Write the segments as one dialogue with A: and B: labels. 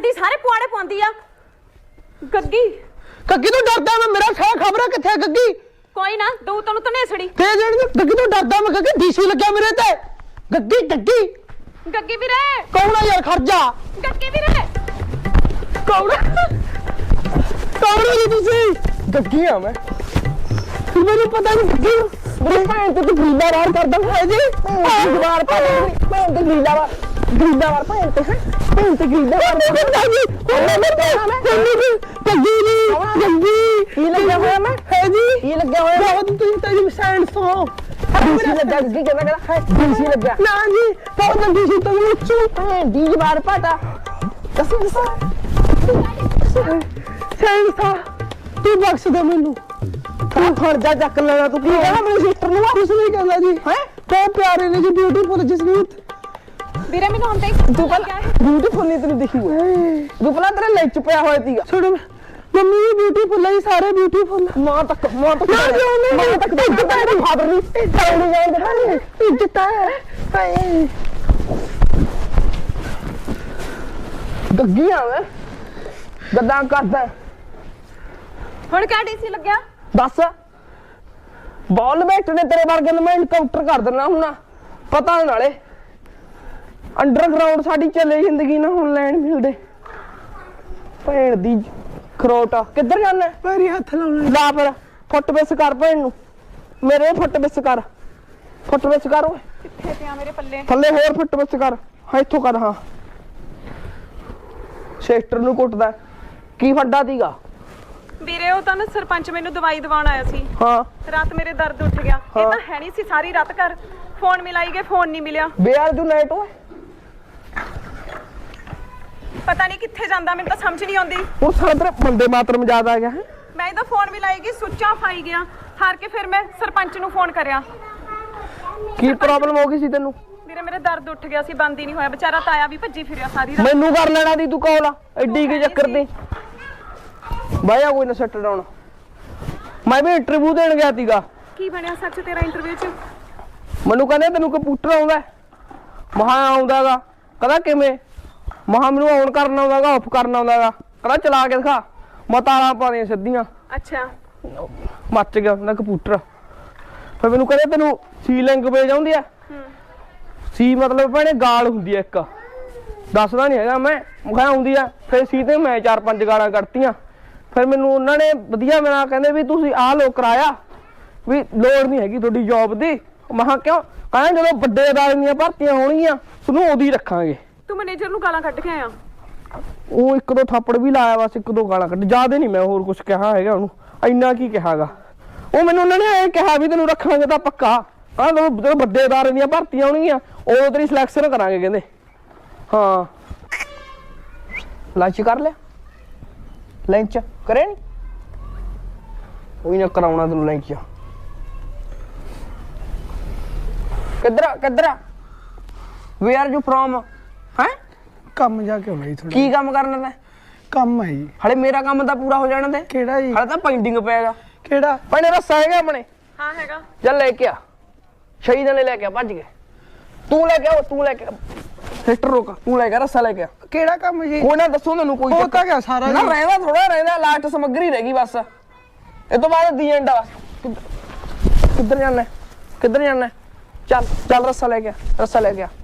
A: ਜਾਂਦੀ ਸਾਰੇ ਪੁਆੜੇ ਪਾਉਂਦੀ ਆ। ਗੱਗੀ
B: ਤੋਂ ਡਰਦਾ ਮੈਂ, ਮੇਰਾ ਸਾਹ ਖਬਰ ਕਿੱਥੇ ਗੱਗੀ?
A: ਕੋਈ ਨਾ ਦਊ ਤੈਨੂੰ ਤਨੇਸੜੀ
B: ਤੇ ਜਿਹੜੀ ਗੱਗੀ ਤੋਂ ਡਰਦਾ ਮੈਂ, ਗੱਗੀ ਡੀਸੀ ਲੱਗਿਆ ਮੇਰੇ ਤੇ। ਗੱਗੀ
A: ਗੱਗੀ ਵੀਰੇ
B: ਕੌਣ ਆ ਯਾਰ? ਖਰਜਾ
A: ਗੱਗੀ ਵੀਰੇ
B: ਕੌਣ ਹੋ ਜੀ ਤੁਸੀਂ? ਗੱਗੀ ਆ ਮੈਂ, ਮੈਨੂੰ ਪਤਾ ਨਹੀਂ ਗੱਗੀ ਮੇਰੀ ਭੈਣ ਤੇ ਤੂੰ ਗਰੀਲਾ ਵਾਰ ਕਰਦਾ ਹੈ ਜੀ। ਗਰੀਲਾ ਭੈਣ ਤੇ ਗਰੀਲਾ ਵਾਰ ਭੈਣ ਤੇ ਭੈਣ ਤੇ ਗਰੀਲਾ ਵਾਰ ਕਰਦਾ ਜੀ। ਗੱਗੀ ਕੀ ਲੱਗਿਆ ਹੋਇਆ ਮੈਂ ਹੈ ਜੀ? ਕੀ ਲੱਗਿਆ ਹੋਇਆ? ਬਹੁਤ ਤੁਸੀਂ ਤੇਰੀ ਸੈਂਡ ਸੋ ਡੀਸੀ ਲੱਗਾ। ਗੱਗੀ ਕਹਿੰਦਾ ਹੈ ਡੀਸੀ ਲੱਗਾ ਨਾ ਜੀ। ਬਹੁਤ ਡੀਸੀ ਤੋਂ ਉੱਚੂ ਭੈਣ ਦੀ ਵਾਰ ਪਾਟਾ ਦੱਸੋ ਸੈਂਡ ਸੋ ਤੂੰ ਬਖਸ਼ ਦੇ ਮੈਨੂੰ। ਤੂੰ ਖਰਜਾ ਚੱਕ ਲੈਣਾ। ਤੂੰ ਕੀ ਕਹਿੰਦਾ ਮੇਰੇ ਸਿਸਟਰ ਨੂੰ? ਕੁਛ ਨਹੀਂ ਕਹਿੰਦਾ ਜੀ। ਹੈ ਬਹੁਤ ਪਿਆਰੇ ਨੇ ਜੀ, ਬਿਊਟੀਫੁਲ ਜਸਮੀਤ
A: ਵੀਰੇ ਮੈਨੂੰ ਹੁਣ ਤੇ
B: ਤੂੰ ਪਹਿਲਾਂ ਬਿਊਟੀਫੁਲ ਨਹੀਂ ਤੈਨੂੰ ਦਿਖੀ ਹੋਈ। ਤੂੰ ਪਹਿਲਾਂ ਤੇਰੇ ਲੈ ਚ ਪਿਆ ਹੋਇਆ ਸੀਗਾ। ਛੋੜ ਮੰਮੀ ਵੀ ਬਿਊਟੀਫੁਲ ਹੈ, ਸਾਰੇ ਬਿਊਟੀਫੁਲ। ਮਾਂ ਤੱਕ ਮਾਂ ਤੱਕ ਫਾਦਰ ਨਹੀਂ ਇੱਜ਼ਤ ਹੈ। ਗੱਗੀ ਆ ਮੈਂ ਗੱਦਾਂ ਕਰਦਾ।
A: ਹੁਣ ਕਿਆ ਡੀਸੀ ਲੱਗਿਆ?
B: ਦੱਸ ਬਾਲ ਬੈਠ ਨੇ ਤੇਰੇ ਵਰਗੇ ਨੂੰ ਮੈਂ ਇਨਕਾਊਂਟਰ ਕਰ ਦੇਣਾ ਹੁਣ। ਪਤਾ ਨਾਲੇ ਅੰਡਰਗਰਾਉਂਡ ਸਾਡੀ ਚੱਲੇ ਜ਼ਿੰਦਗੀ ਨਾ ਹੁਣ ਲੈਣ ਮਿਲਦੇ। ਭੈਣ ਦੀ ਖਰੋਟ ਕਿੱਧਰ ਜਾਣਾ? ਪੈਰੀ ਹੱਥ ਲਾਉਣਾ। ਲਾ ਫਿਰ ਫੁੱਟ ਬਿਸ ਕਰ ਭੈਣ ਨੂੰ ਮੇਰੇ। ਫੁੱਟ ਬਿਸ ਕਰ ਓਏ।
A: ਕਿੱਥੇ ਪਿਆ ਮੇਰੇ ਪੱਲੇ?
B: ਥੱਲੇ ਹੋਰ ਫੁੱਟ ਬਿਸ ਕਰ। ਹਾਂ ਇੱਥੋਂ ਕਰ। ਹਾਂ ਸਿਸਟਰ ਨੂੰ ਕੁੱਟਦਾ ਕੀ ਫੱਡਾ ਸੀਗਾ?
A: ਵੀਰੇ ਉਹ ਤਾਂ ਨਾ ਸਰਪੰਚ ਮੈਨੂੰ ਦਵਾਈ ਦਵਾਉਣ ਆਇਆ ਸੀ।
B: ਹਾਂ
A: ਰਾਤ ਮੇਰੇ ਦਰਦ ਉੱਠ ਗਿਆ। ਇਹ ਤਾਂ ਹੈ ਨਹੀਂ ਸੀ ਸਾਰੀ ਰਾਤ ਘਰ। ਫੋਨ ਮਿਲਾਈ ਗਏ, ਫੋਨ ਨਹੀਂ ਮਿਲਿਆ।
B: ਬੇਅਰ ਜੂ ਨਾਈਟ ਓਏ।
A: ਪਤਾ ਨਹੀਂ ਕਿੱਥੇ ਜਾਂਦਾ, ਮੈਨੂੰ ਤਾਂ ਸਮਝ ਨਹੀਂ ਆਉਂਦੀ।
B: ਹੁਣ ਸਾਰਾ ਤੇਰੇ ਬੰਦੇ ਮਾਤਰਮ ਯਾਦ ਆ ਗਿਆ ਹੈ।
A: ਮੈਂ ਇਹਦਾ ਫੋਨ ਮਿਲਾਈ ਗਈ, ਸੁੱਚ ਆਫ ਆਈ ਗਿਆ। ਹਾਰ ਕੇ ਫਿਰ ਮੈਂ ਸਰਪੰਚ ਨੂੰ ਫੋਨ ਕਰਿਆ।
B: ਕੀ ਪ੍ਰੋਬਲਮ ਹੋ ਗਈ ਸੀ ਤੈਨੂੰ?
A: ਵੀਰੇ ਮੇਰੇ ਦਰਦ ਉੱਠ ਗਿਆ ਸੀ, ਬੰਦ ਹੀ ਨਹੀਂ ਹੋਇਆ। ਵਿਚਾਰਾ ਤਾਇਆ ਵੀ ਭੱਜੀ ਫਿਰਿਆ ਸਾਰੀ ਰਾਤ।
B: ਮੈਨੂੰ ਕਰ ਲੈਣਾ ਦੀ ਤੂੰ ਕਾਲ ਐਡੀ ਕੀ ਚੱਕਰ ਦੀ? ਬਾਇਆ ਕੋਈ ਨਾ ਸੈੱਟ ਡਾਉਣ। ਮੈਂ ਵੀ ਇੰਟਰਵਿਊ ਦੇਣ ਗਿਆ ਸੀਗਾ।
A: ਕੀ ਬਣਿਆ ਸੱਚ ਤੇਰਾ ਇੰਟਰਵਿਊ 'ਚ?
B: ਮੈਨੂੰ ਕਹਿੰਦੇ ਤੈਨੂੰ ਕੰਪਿਊਟਰ ਆਉਂਦਾ? ਮਹਾ ਆਉਂਦਾਗਾ। ਕਹਿੰਦਾ ਕਿਵੇਂ? ਮਹਾ ਮੈਨੂੰ ਔਨ ਕਰਨਾ ਆਉਂਦਾਗਾ, ਆਫ ਕਰਨਾ ਆਉਂਦਾਗਾ। ਕਹਿੰਦਾ ਚਲਾ ਕੇ ਦਿਖਾ। ਮੈਂ ਤਾਰਾਂ ਪਾਣੀਆਂ ਸਿੱਧੀਆਂ।
A: ਅੱਛਾ
B: ਮੱਚ ਗਿਆ ਉਹਦਾ ਕੰਪਿਊਟਰ। ਫਿਰ ਮੈਨੂੰ ਕਹਿੰਦੇ ਤੈਨੂੰ ਸੀ ਲੈਂਗੁਏਜ ਆਉਂਦੀ ਆ? ਸੀ ਮਤਲਬ ਭੈਣੇ ਗਾਲ ਹੁੰਦੀ ਆ ਇੱਕ, ਦੱਸਦਾ ਨਹੀਂ ਹੈਗਾ ਮੈਂ ਕਿਹਾ ਆਉਂਦੀ ਆ। ਫਿਰ ਸੀ ਤੇ ਮੈਂ 4-5 ਗਾਲਾਂ ਕੱਢਤੀਆਂ। ਫਿਰ ਮੈਨੂੰ ਉਹਨਾਂ ਨੇ ਵਧੀਆ ਮੇਰਾ ਕਹਿੰਦੇ ਵੀ ਤੁਸੀਂ ਆਹ ਲੋ ਕਰਾਇਆ ਵੀ ਲੋੜ ਨਹੀਂ ਹੈਗੀ ਤੁਹਾਡੀ ਜੌਬ ਦੀ। ਮੈਂ ਕਿਹਾ ਕਿਉਂ? ਕਹਿੰਦੇ ਜਦੋਂ ਵੱਡੇ ਅਦਾਰੇ ਦੀਆਂ ਭਰਤੀਆਂ ਹੋਣਗੀਆਂ ਤੁਹਾਨੂੰ ਉਦੋਂ ਹੀ ਰੱਖਾਂਗੇ।
A: ਤੂੰ ਮੈਨੇਜਰ ਨੂੰ ਗਾਲਾਂ ਕੱਢ ਕੇ ਆਇਆ?
B: ਉਹ 1-2 ਥੱਪੜ ਵੀ ਲਾਇਆ, ਬਸ 1-2 ਗਾਲਾਂ ਕੱਢ, ਜ਼ਿਆਦਾ ਨਹੀਂ ਮੈਂ ਹੋਰ ਕੁਝ ਕਿਹਾ ਹੈਗਾ ਉਹਨੂੰ। ਇੰਨਾ ਕੀ ਕਿਹਾਗਾ ਉਹ ਮੈਨੂੰ। ਉਹਨਾਂ ਨੇ ਐਂ ਕਿਹਾ ਵੀ ਤੈਨੂੰ ਰੱਖਾਂਗੇ ਤਾਂ ਪੱਕਾ। ਕਹਿੰਦਾ ਜਦੋਂ ਵੱਡੇ ਅਦਾਰੇ ਦੀਆਂ ਭਰਤੀਆਂ ਹੋਣਗੀਆਂ ਉਦੋਂ ਤੇਰੀ ਸਿਲੈਕਸ਼ਨ ਕਰਾਂਗੇ ਕਹਿੰਦੇ। ਹਾਂ ਲੰਚ ਕਰ ਲਿਆ? ਲੰਚ ਕਰੇ ਨੀ? ਕੋਈ ਨਾ ਕਰਾਉਣਾ ਤੈਨੂੰ ਲੰਚ। ਕਿੱਧਰ ਵੇਅਰ ਆਰ ਯੂ ਫਰੋਮ? ਹੈ
C: ਕੰਮ ਜਾ ਕੇ ਹੋਣਾ ਜੀ ਥੋੜਾ।
B: ਕੀ ਕੰਮ ਕਰਨਾ ਤੈਂ?
C: ਕੰਮ ਹੈ ਜੀ।
B: ਹਲੇ ਮੇਰਾ ਕੰਮ ਤਾਂ ਪੂਰਾ ਹੋ ਜਾਣਾ ਤੇ।
C: ਕਿਹੜਾ ਜੀ?
B: ਹਲੇ ਤਾਂ ਪੈਂਡਿੰਗ ਪਿਆਗਾ।
C: ਕਿਹੜਾ?
B: ਪਹਿਲੇ ਰੱਸਾ ਹੈਗਾ ਆਪਣੇ?
A: ਹਾਂ ਹੈਗਾ।
B: ਚੱਲ ਲੈ ਕੇ ਆ। ਸ਼ਹੀਦਾਂ ਨੇ ਲੈ ਕੇ ਆ, ਭੱਜ ਗਏ। ਤੂੰ ਲੈ ਕੇ ਆ, ਤੂੰ ਲੈ ਕੇ ਸਿਸਟਰ ਰੋਕ। ਤੂੰ ਲੈ ਕੇ ਰੱਸਾ ਲੈ ਕੇ ਆ।
C: ਕਿਹੜਾ ਕੰਮ ਜੀ?
B: ਕੋਈ ਨਾ ਦੱਸੋ ਤੈਨੂੰ ਕੋਈ
C: ਹੋ ਤਾਂ ਗਿਆ ਸਾਰਾ
B: ਨਾ
C: ਜੀ।
B: ਰਹਿੰਦਾ ਥੋੜਾ ਰਹਿੰਦਾ, ਲਾਸਟ ਸਮੱਗਰੀ ਰਹਿ ਗਈ ਬਸ। ਇਹ ਤੋਂ ਬਾਅਦ ਦੀ ਐਂਡ ਆ ਬਸ। ਕਿੱਧਰ ਜਾਣਾ? ਚੱਲ ਰੱਸਾ ਲੈ ਕੇ ਆ, ਰੱਸਾ ਲੈ ਕੇ ਆ।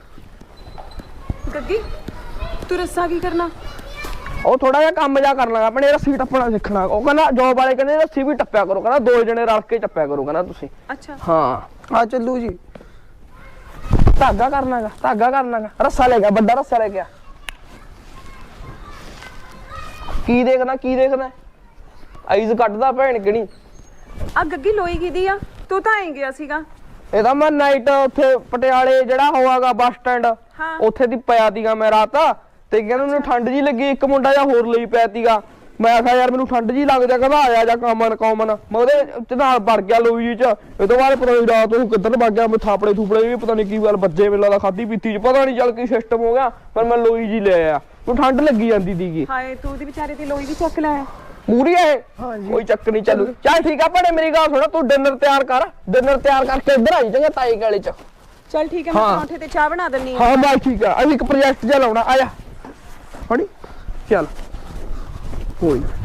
A: ਗੱਗੀ ਤੂੰ ਰੱਸਾ ਕੀ ਕਰਨਾ?
B: ਉਹ ਥੋੜਾ ਜਿਹਾ ਕੰਮ ਜਾ ਕਰ ਲਾਂਗਾ ਆਪਣੇ, ਰੱਸੀ ਟੱਪਣਾ ਸਿੱਖਣਾ। ਉਹ ਕਹਿੰਦਾ ਜੋਬ ਵਾਲੇ ਕਹਿੰਦੇ ਰੱਸੀ ਵੀ ਟੱਪਿਆ ਕਰੋ, ਕਹਿੰਦਾ 2 ਜਣੇ ਰਲ ਕੇ ਟੱਪਿਆ ਕਰੋ ਕਹਿੰਦਾ ਤੁਸੀਂ।
A: ਅੱਛਾ
B: ਹਾਂ
C: ਆ ਚੱਲੂ ਜੀ।
B: ਧਾਗਾ ਕਰਨਾਗਾ। ਰੱਸਾ ਲੈ ਗਿਆ, ਵੱਡਾ ਰੱਸਾ ਲੈ ਗਿਆ। ਕੀ ਦੇਖਦਾ? ਆਈਜ਼ ਕੱਢਦਾ ਭੈਣ ਕਿਹੜੀ।
A: ਆ ਗੱਗੀ ਲੋਈ ਕਿਹਦੀ ਆ? ਤੂੰ ਤਾਂ ਆਈ ਗਿਆ ਸੀਗਾ।
B: ਇਹਦਾ ਮੈਂ ਨਾਈਟ ਉੱਥੇ ਪਟਿਆਲੇ ਜਿਹੜਾ ਹੋਵਾਗਾ ਬੱਸ ਸਟੈਂਡ ਉੱਥੇ ਦੀ ਪਿਆ ਸੀਗਾ ਮੈਂ ਰਾਤ। ਤੇ ਕਹਿੰਦਾ ਮੈਨੂੰ ਠੰਡ ਜੀ ਲੱਗੀ, ਇੱਕ ਮੁੰਡਾ ਜਿਹਾ ਹੋਰ ਲਈ ਪਿਆ ਸੀਗਾ। ਮੈਂ ਆਖਿਆ ਯਾਰ ਮੈਨੂੰ ਠੰਡ ਜੀ ਲੱਗਦਾ, ਕਹਿੰਦਾ ਆਇਆ ਜਾ ਕਾਮਨ ਮੈਂ ਉਹਦੇ ਨਾਲ ਵੜ ਗਿਆ ਲੋਈ ਜੀ ਚ। ਇਹ ਤੋਂ ਬਾਅਦ ਪਤਾ ਨੀ ਰਾਤ ਨੂੰ ਕਿੱਧਰ ਵਗ ਗਿਆ। ਮੈਂ ਥਾਪੜੇ ਥੂਪੜੇ ਵੀ ਪਤਾ ਨੀ ਕੀ ਗੱਲ ਵੱਜੇ, ਮੈਨੂੰ ਲੱਗਦਾ ਖਾਧੀ ਪੀਤੀ ਚ ਪਤਾ ਨੀ ਚੱਲ ਕੀ ਸਿਸਟਮ ਹੋ ਗਿਆ। ਪਰ ਮੈਂ ਲੋਈ ਜੀ ਲੈ ਆਇਆ, ਮੈਨੂੰ ਠੰਡ ਲੱਗੀ ਜਾਂਦੀ ਸੀਗੀ।
A: ਹਾਏ ਤੂੰ ਦੀ ਵਿਚਾਰੇ ਦੀ ਲੋਈ ਵੀ ਚੱਕ ਲਿਆ।
B: ਪੂਰੀ ਹੈ ਕੋਈ ਚੱਕ ਨਹੀਂ ਚੱਲੂ। ਚੱਲ ਠੀਕ ਆ ਭੈਣੇ ਮੇਰੀ ਗੱਲ ਸੁਣ, ਤੂੰ ਡਿਨਰ ਤਿਆਰ ਕਰਕੇ ਇੱਧਰ ਆਈ ਚੰਗਾ ਤਾਈ ਗਾਲੇ ਚ।
A: ਚੱਲ ਠੀਕ ਹੈ ਮੈਂ ਪਰੌਂਠੇ ਤੇ ਚਾਹ ਬਣਾ ਦਿੰਨੀ ਆ।
B: ਹਾਂ ਬਸ ਠੀਕ ਆ। ਅਸੀਂ ਇੱਕ ਪ੍ਰੋਜੈਕਟ ਜਿਹਾ ਲਾਉਣਾ, ਆ ਜਾ ਫੜੀ। ਚੱਲ ਕੋਈ ਨਾ।